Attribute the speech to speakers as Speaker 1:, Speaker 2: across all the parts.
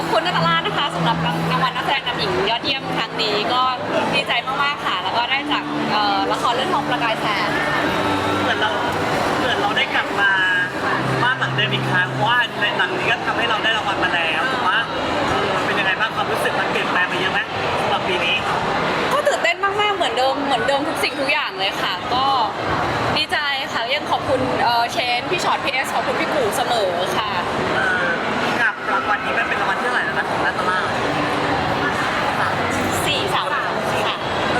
Speaker 1: อบคุณนัตรานะคะสำหรับรางวัลนักแสดงนำหญิงยอดเยี่ยมครั้งนี้ก็ดีใจมากๆค่ะแล้วก็ได้จากละครเรื่องทองประกายแสง
Speaker 2: เหมือนเราได้กลับมาบ้านหลังเดิมอีกครั้งเพราะว่าในหลังนี้ก็ทำให้เราได้รางวัลมาแล้วแต่ว่าเป็นยังไงบ้างความรู้สึกมันเปลี่ยนแปลงไปเยอะไหมสำหรับปีนี้
Speaker 1: ก็ตื่นเต้นมากๆเหมือนเดิมทุกสิ่งทุกอย่างเลยค่ะก็ดีใจค่ะยังขอบคุณเชนพี่ชอตพี่เอสขอบคุณพี่กู่เสมอค่ะ
Speaker 2: กับรางวัลนี้มันเป็นรางวัลที่เท่าไหร่แล้วนะของนัตตา
Speaker 1: 4-3ค่ะ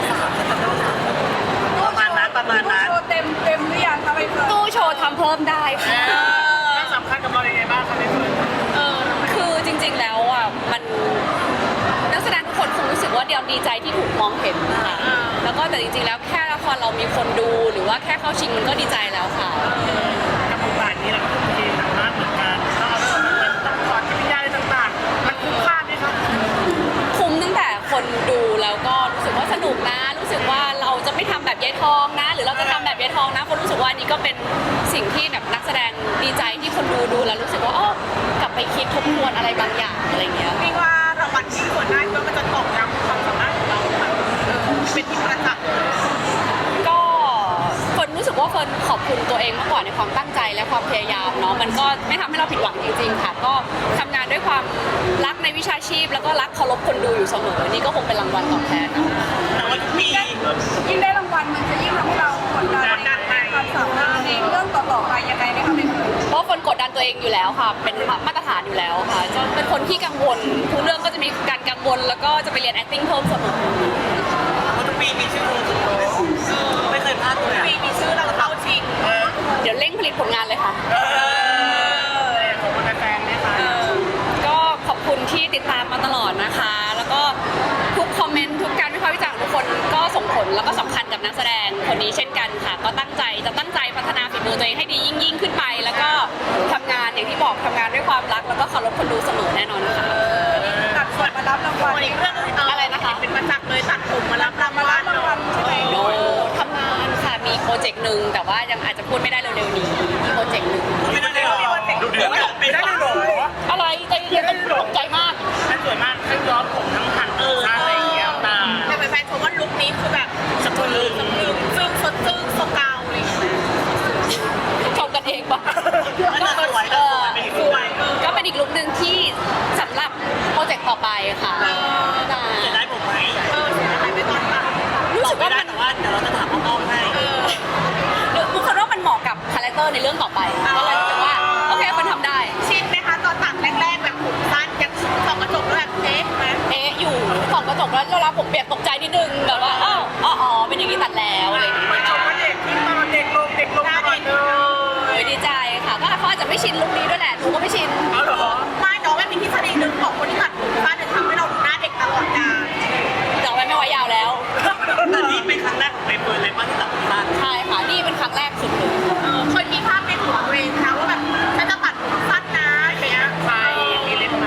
Speaker 2: ประมาณนั้น
Speaker 3: โชว์เต็มหรือยังคะใบเฟิร์น
Speaker 1: ตู้โชว์ทำเพิ่มได้ค่ะ
Speaker 2: สำคัญกับเราอย่างไรบ้างครับใบเฟิร์น
Speaker 1: คือจริงๆแล้วอ่ะมันนักแสดงทุกคนคงรู้สึกว่าเดียวดีใจที่ถูกมองเห็นค่ะแล้วก็แต่จริงๆแล้วแค่ละครเรามีคนดูหรือว่าแค่เข้าชิงมันก็ดีใจแล้วค่ะ
Speaker 2: กับบทบาทนี้เราก็ทุ่มเทหนักมากเหมือนกันต้องเอามันต้องถอดจิตวิญญาณอะไรต่างๆมันคุ้มค่าไหมครับ
Speaker 1: คุ้มตั้งแต่คนดูแล้วก็รู้สึกว่าสนุกนะรู้สึกว่าเราจะไม่ทำแบบยายทองนะหรือเราจะทำแบบยายทองนะคนรู้สึกว่านี่ก็เป็นสิ่งที่แบบนักแสดงดีใจที่คนดูแล้วรู้สึกว่ากลับไปคิดทบทวนอะไรบางอย่างอะไรเงี้ย
Speaker 3: พี่ว่ารางวัลที่ควรได้เพื่อมันจะตอกย้ำความสามารถของเราแบบเป็นที่ประจักษ์
Speaker 1: ก็คนรู้สึกว่าคนขอบคุณตัวเองมากกว่าในความตั้งใจและความพยายามเนาะมันก็ไม่ทำให้เราผิดหวังจริงๆค่ะก็ทำงานด้วยความรักในวิชาชีพแล้วก็รักเคารพคนดูอยู่เสมอนี่ก็คงเป็นรางวัลตอบแทน
Speaker 2: แต่ว่าทุกปี
Speaker 3: ยิ่งได้รางวัลมันจะยิ่งทำให้เรากดดันในความสามารถในเรื่องต่อๆไปยังไงไหมคะใบเฟิร์น
Speaker 1: เพราะคนกดดันตัวเองอยู่แล้วค่ะเป็นมาตรฐานอยู่แล้วค่ะจะเป็นคนที่กังวลทุกเรื่องก็จะมีการกังวลแล้วก็จะไปเรียน acting เพิ่มเสมอ
Speaker 2: เพราะทุกปีมีชื่อไม่เคยพลาดเลย
Speaker 3: ปีมีชื่อเราเข้าชิง
Speaker 1: เดี๋ยวเร่งผลิตผลงานเลยค่ะ
Speaker 2: ขอบคุณแฟนๆนะคะ
Speaker 1: ก็ขอบคุณที่ติดตามมาตลอดนะคะแล้วก็ทุกคอมเมนต์ทุกการวิพากษ์วิจารณ์ของทุกคนก็ส่งผลแล้วก็สำคัญกับนักแสดงคนนี้เช่นกันค่ะก็ตั้งใจพัฒนาฝีมือตัวเองให้ดียิ่งขึ้นไปแล้วก็ทำงานอย่างที่บอกทำงานด้วยความรักแล้วก็เคารพคนดูเสมอแน่นอนค่ะ
Speaker 3: ตัดผมมารับรางวัล
Speaker 1: อีกเรื่องอะไรนะคะ
Speaker 3: เป็นประจักษ์เลยตัดผมมารับรางวัลใช่ไหม
Speaker 1: โอ้ทำงานค่ะมีโปรเจกต์หนึ่งแต่ว่ายังอาจจะพูดไม่ได้เร็วๆนี้มีโปรเจกต์หนึ่ง
Speaker 2: ไม่ได้หรอดูเดือดไม่ได้หรอ
Speaker 1: อะไรใจเย็นตกใจมาก
Speaker 2: ทั้งสวยมากทั้งย้อมผมทั้งหั่นอะไรอย่างเงี้ยตา
Speaker 3: แต่แฟนๆชมว่าลุคนี้คือแบบ
Speaker 2: สะพรึง
Speaker 3: ซึ่งสดซึ่งสกาวอะไรอย่างเงี้ย
Speaker 1: ชมกันเองปะ
Speaker 2: สวย
Speaker 1: ก็เป็นอีกลุคหนึ่งที่สำหรับโปรเจกต์ต่อไปค่ะ
Speaker 2: จะได้ผมไหม
Speaker 3: ไม่ตอนตัด
Speaker 1: รู้สึกว่า
Speaker 2: มันแต่ว่าเดี๋ยวเราจะถามน้องๆให้
Speaker 1: บุคลิกว่ามันเหมาะกับคาแรคเตอร์ในเรื่องต่อไปก็เลยรู้สึกว่าโอเคมันทำได้
Speaker 3: ชินไหมคะตอนตัดแรกๆแบบผมสั้นยังส่องกระจกแล้วแบบ
Speaker 1: อยู่ส่องกระจกแล้วเวลาผมเปียกตกใจนิดนึงแบบว่าอ๋อเป็นอย่างนี้ตัดแล้วอะไรอย่างเงี้ย
Speaker 2: ชมว่าเด็กขึ้นมาเด็กลงตลอด
Speaker 1: เลยดีใจค่ะก็เขาอาจจะไม่ชินลุคนี้ด้วยแหละดูก็ไม่ชิน
Speaker 2: เหรอ
Speaker 3: ไม่น้องไม่มีทฤษฎีหนึ่งของคนที่ตัดผมสั้นจะทำให้เราดูหน้าเด็กตลอดกาล
Speaker 1: แต่ไม่ไว้ยาวแล้ว
Speaker 2: แต่นี่เป็นครั้งแรกของใบเฟิร์นเลยป่ะที่ตัดผมสั้น
Speaker 1: ใช่ค่ะนี่เป็นครั้งแรกสุดเลย
Speaker 3: เคยมีภาพในหัวตัวเองนะว่าแบบฉันจะตัดผมสั้นนะอะไรเงี้ย
Speaker 2: ใครมีเล็บไหม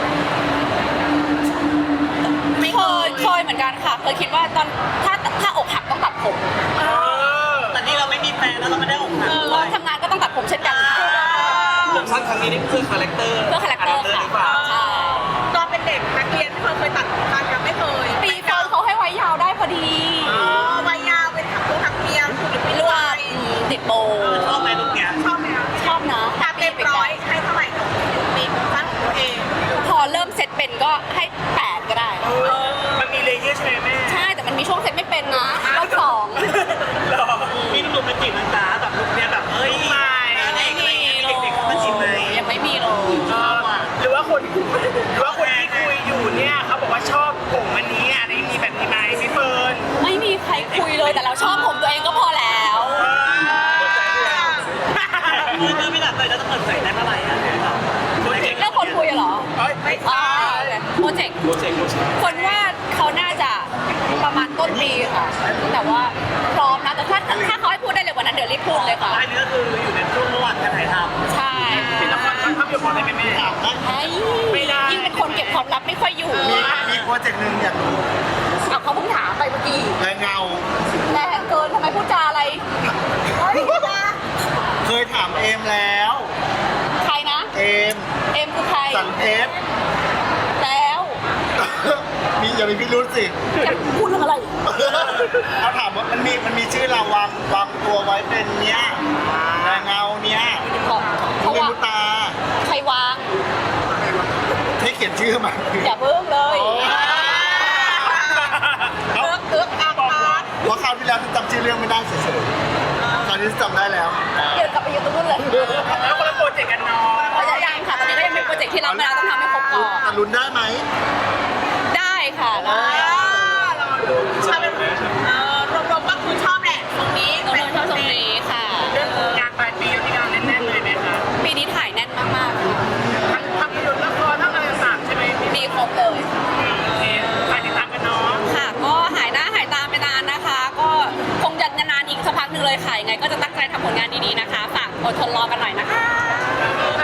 Speaker 1: เคยเหมือนกันค่ะเคยคิดว่าตอนถ้าอกหักต้องตัดผม
Speaker 2: แต่นี่เราไม่มีแฟนแล้วเราไม่ได้อกหัก
Speaker 1: เราทำงานก็ต้องตัดผมเช่นกัน
Speaker 2: ผมสั้นครั้งนี้นี่เพื่อคาแรคเตอร์
Speaker 1: ค่ะใช่
Speaker 3: ตอนเป็นเด็กนักเรียนเคยตัดผมสั้นยังไม่เคย
Speaker 1: ปีเฟิร์นเขาให้ไว้ยาวได้พอดี
Speaker 3: ไว้ยาวเป็นถักเปีย
Speaker 1: ไม่รู้ว่าติดโบ
Speaker 2: ชอบไหมลูกเนี้ย
Speaker 3: ชอบไหม
Speaker 1: ชอบนะ
Speaker 3: ถ้าเต็มร้อยให้เท่าไหร่กับปีผมสั้นของตัวเอง
Speaker 1: พอเริ่มเสร็จเป็นก็ให้8ก็ได้
Speaker 2: มันมีเลเยอร์ใช่ไหมแม่
Speaker 1: ใช่แต่มันมีช่วงเสร็จไม่เป็นนะรอบ2
Speaker 2: หรอมีหนุ่มๆมาจีบมันจ้าแบบลูกเนี้ยแบบ
Speaker 1: ไม่มี
Speaker 2: เด็กๆมาจีบไหม
Speaker 1: ยังไม่มีเลย
Speaker 2: หรือว่าคนที่คุยอยู่เนี่ยเขาบอกว่าชอบผมอันนี้อะไรมีแบบนี้ไหมพี่เฟิร์น
Speaker 1: ไม่มีใครคุยเลยแต่เราชอบผมตัวเองก็พอแล้ว
Speaker 2: คือไม่หลับเลยแล้วจะเปิดใจได้เมื่อไหร่อะ
Speaker 1: เรื่องคนคุยเหรอ
Speaker 3: ไม่ใช่
Speaker 1: โปรเจกต์คนว่าเขาน่าจะประมาณต้นปีค่ะแต่ว่าพร้อมนะแต่ถ้าเขาให้พูดได้เลยวันนั้นเดี๋ยวรีบพูดเลยค่ะ
Speaker 2: อันนี้ก็คืออยู่ในช่วงระหว่างการถ่ายท
Speaker 1: ำใช่
Speaker 2: เป็นละครภาพยนตร์ได้ไหมแม่
Speaker 1: ไม่ได้ยิ่งเป็นคนเก็บความลับไม่ค่อยอยู่
Speaker 4: มีโปรเจกต์หนึ่งอยากรู้
Speaker 1: เขาเพิ่งถามไปเมื่อกี้
Speaker 4: แรงเงา
Speaker 1: แรงเกินทำไมพูดจาอะไร
Speaker 4: เคยถามเอมแล้ว
Speaker 1: ใครนะ
Speaker 4: เอม
Speaker 1: คือใคร
Speaker 4: สันเพชรอย่ามีพิรุษสิ
Speaker 1: จะพูดเรื่องอะไร
Speaker 4: เอาถามว่ามันมีชื่อเราวางตัวไว้เป็นเนี้ยแรงเงาเนี้ย
Speaker 1: เพราะ
Speaker 4: เป็น
Speaker 1: ว่า
Speaker 4: มุตา
Speaker 1: ใครวาง
Speaker 4: ให้เขียนชื่อมา
Speaker 1: อย่าเพิ่งเลย
Speaker 4: เพราะคราวที่แล้วฉันจำชื่อเรื่องไม่ได้เฉยๆคราวนี้จำได้แล้ว
Speaker 1: เดี๋ยวกลับไปอยู่ตรงนู้นเลย
Speaker 2: แล้วคนละโปรเจกต์กันเนาะ
Speaker 1: เพราะยังค่ะตอนนี้ก็ยังเป็นโปรเจกต์ที่รับมาแล้วต้องทำให้ครบก่อน
Speaker 4: แต่ลุ้นได้ไหม
Speaker 1: ได้ค่ะได้
Speaker 3: ชอบรวมๆก็คือชอบแหละตรงนี้
Speaker 1: น้องๆชอบตรงนี้ค่ะ
Speaker 2: เรื่องงานปลายปีที่งานแน่นๆเลยไหมคะ
Speaker 1: ปีนี้ถ่ายแน่นมากๆค่ะ
Speaker 2: ทั้งภาพยนตร์ละครทั้งอะไรต่างๆใช่ไหมพี่
Speaker 1: มีครบเลย
Speaker 2: โอเคฝากติดตามกันเนาะ
Speaker 1: ค่ะก็หายหน้าหายตาไปนานนะคะ ก็คงจะนานๆอีกสักพักหนึ่งเลยค่ะยังไงก็จะตั้งใจทำผลงานดีๆนะคะฝากอดทนรอกันหน่อยนะคะ